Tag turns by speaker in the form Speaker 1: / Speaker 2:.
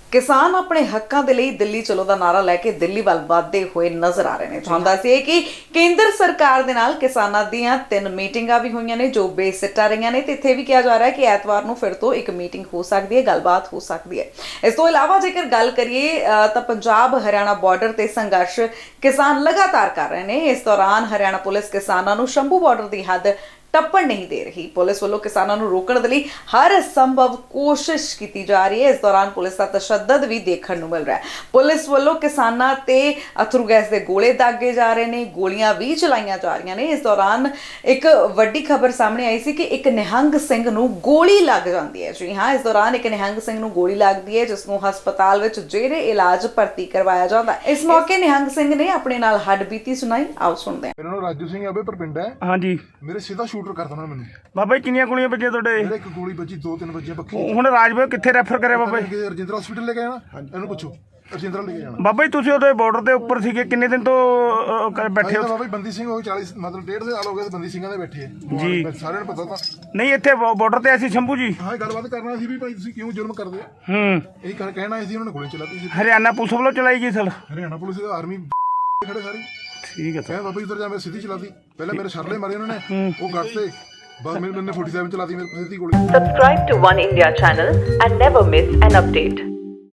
Speaker 1: किसान अपने हक्कां दे लई दिल्ली चलो दा नारा लैके दिल्ली वल वधदे होए नज़र आ रहे हैं। तुहानूं दस्सिए कि केंद्र सरकार दे नाल किसानां दीयां 3 मीटिंगां भी होईयां ने जो बेसिट्टा रहीआं ने ते इत्थे भी कहा जा रहा है कि ऐतवार नूं फिर तो एक मीटिंग हो सकदी है, गलबात हो सकदी है। इस तो इलावा जेकर गल करिए तां पंजाब हरियाणा बॉर्डर ते संघर्ष किसान लगातार कर रहे हैं। इस दौरान हरियाणा पुलिस किसानां नूं शंभू बॉर्डर दी हद टप्पण नहीं दे रही। पुलिस वालों किसानों को रोकने के लिए हर संभव कोशिश की जा रही है। इस दौरान पुलिस का तशद्दद भी देखने को मिल रहा है। पुलिस वालों किसानों ते अथरू गैस के गोले दागे जा रहे हैं, गोलियां भी चलाईया जा रही ने। इस दौरान एक वड्डी खबर सामने आई सी कि एक निहंग सिंह नूं गोली लग जाती है। जी हाँ, इस दौरान एक निहंग सिंह नूं गोली लगती है जिसनूं हस्पताल विच जेरे इलाज भर्ती करवाया जाता है। इस मौके निहंग सिंह ने अपने नाल हड्डबीती सुनाई, आओ सुनते हैं।
Speaker 2: मेरा नाम राजू सिंह है, पर पिंड है।
Speaker 3: हाँ जी
Speaker 2: मेरे सीधा शूटर करता ना मैंने।
Speaker 3: बाबा जी किन्नियां गोलियां बजीਆਂ ਤੁਹਾਡੇ?
Speaker 2: मेरे एक गोली बची, 2-3 बची बक्खी।
Speaker 3: ਹੁਣ ਰਾਜਪੁਰ ਕਿੱਥੇ ਰੈਫਰ ਕਰਿਆ ਬਾਬਾ ਜੀ?
Speaker 2: ਰਜਿੰਦਰਾ ਹਸਪੀਟਲ ਲੈ ਕੇ ਆਣਾ, ਇਹਨੂੰ ਪੁੱਛੋ ਰਜਿੰਦਰਾ ਲੈ ਕੇ ਜਾਣਾ।
Speaker 3: ਬਾਬਾ ਜੀ ਤੁਸੀਂ ਉਹਦੇ ਬਾਰਡਰ ਦੇ ਉੱਪਰ ਸੀਗੇ, ਕਿੰਨੇ ਦਿਨ ਤੋਂ ਬੈਠੇ ਹੋ?
Speaker 2: ਬਾਬਾ ਜੀ ਬੰਦੀ ਸਿੰਘ ਹੋ 40 ਮਤਲਬ 1.5 ਸਾਲ ਹੋ ਗਏ ਬੰਦੀ ਸਿੰਘਾਂ ਦੇ ਬੈਠੇ ਆ
Speaker 3: ਜੀ।
Speaker 2: ਸਾਰਿਆਂ ਨੂੰ ਪਤਾ ਤਾਂ
Speaker 3: ਨਹੀਂ ਇੱਥੇ ਬਾਰਡਰ ਤੇ ਅਸੀਂ ਸ਼ੰਭੂ ਜੀ
Speaker 2: ਹਾਂ ਗੱਲਬਾਤ ਕਰਨਾ ਸੀ ਵੀ ਭਾਈ ਤੁਸੀਂ ਕਿਉਂ ਜ਼ੁਲਮ ਕਰਦੇ ਆ। ਇਹ ਕਹਿਣਾ ਸੀ, ਉਹਨਾਂ ਨੇ ਗੋਲੀ ਚਲਾਤੀ ਸੀ।
Speaker 3: ਹਰਿਆਣਾ ਪੁਲਿਸ ਵੱਲੋਂ ਚਲਾਈ ਗਈ ਸਰ?
Speaker 2: ਹਰਿਆਣਾ ਪੁਲਿਸ ਦੀ ਆਰਮੀ ਖੜੇ ਸਾਰੀ।
Speaker 3: ਠੀਕ ਹੈ ਸਰ।
Speaker 2: ਬਾਬਾ ਜੀ ਉਧਰ ਜਾ ਮੈਂ ਸਿੱਧੀ ਚਲਾਤੀ, ਪਹਿਲਾਂ ਮੇਰੇ ਸ਼ਰਲੇ ਮਾਰੇ ਉਹਨਾਂ ਨੇ, ਉਹ ਗੱਟਦੇ ਬਸ मैंने 47 चला दी मेरे गोली।
Speaker 4: Subscribe to One India channel and never miss an update.